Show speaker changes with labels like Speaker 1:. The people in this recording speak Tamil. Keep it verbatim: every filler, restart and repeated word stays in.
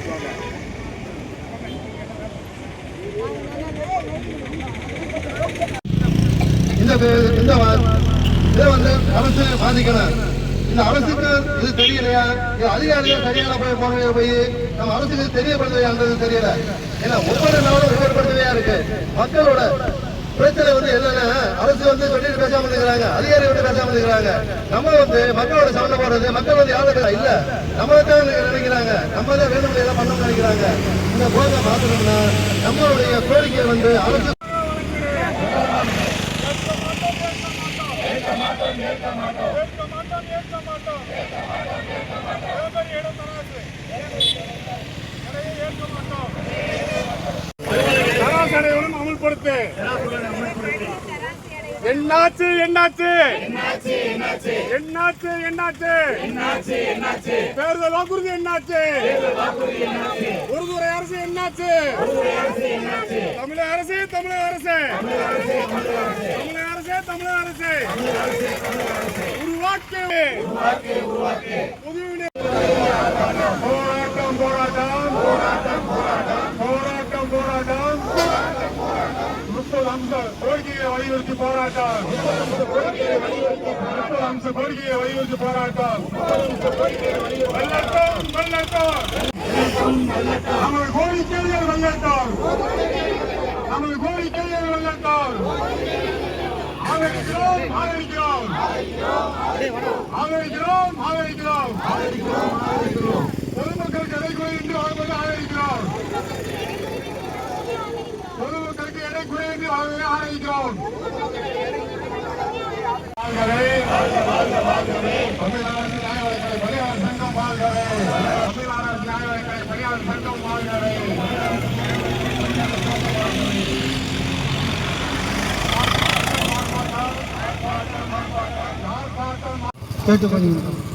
Speaker 1: இந்த இதை வந்து அரசு பாதிக்கணும். இந்த அரசுக்கு இது தெரியலையா, அதிகாரிகள் சரியான போய் போன போய் நம்ம அரசுக்கு தெரியப்படுத்துவையான்றது தெரியல. ஏன்னா ஒவ்வொரு நாளும் ஒவ்வொரு பிரச்சனையா இருக்கு. மக்களோட பிரச்சனை வந்து என்னன்னா அரசு வந்து சொல்லிட்டு பேசாம இருக்கிறாங்க, அதிகாரி வந்து பேசாம இருக்கிறாங்க. நம்ம வந்து மக்களோட சண்டை போடுறது, மக்கள் வந்து யாரும் இல்ல, நம்ம தான் நினைக்கிறாங்க, நம்ம தான் வேணும் எல்லாம் பண்ணணும்னு நினைக்கிறாங்க. இந்த போதை மாற்றணும்னா நம்மளுடைய கோரிக்கை வந்து அரசு
Speaker 2: அமல்படுத்து. என்னாச்சு என்னாச்சு என்னாச்சு என்னாச்சு தேர்தல் வாக்குறுதி என்னாச்சு? உறுதுறை அரசு என்னாச்சு? தமிழக அரசு தமிழக அரசு தமிழக அரசு தமிழக அரசு உருவாக்கு புதுவினை போராட்டம் போராட்டம் போராட்டம் போராட்டம் போராட்டம் முப்பது அம்ச கோரிக்கையை வலியுறுத்தி போராட்டம் முப்பது அம்ச கோரிக்கையை வலியுறுத்தி போராட்டம் வெள்ளட்டம் வெள்ளட்டம் நமது கோரிக்கைகள் வெள்ளட்டம் நமது கோரிக்கைகள் வெள்ளட்டம் ஆதரிக்கிறோம் ஆதரிக்கிறோம் ஆதரிக்கிறோம் ஆதரிக்கிறோம் பொதுமக்களுக்கு எடைக்குறை என்று வாழ்வது ஆதரிக்கிறோம். பொதுமக்களுக்கு எடைக்குறை என்று வாழ்வதை ஆதரிக்கிறோம். தமிழ்நாடு நியாயவழக்கலை பணியாளர் சங்கம் வாழ்கவே. தமிழ்நாடு நியாயவழக்கலை பணியாளர் சங்கம் வாழ்கவே. கேட்டுக்கொள்கிறோம்.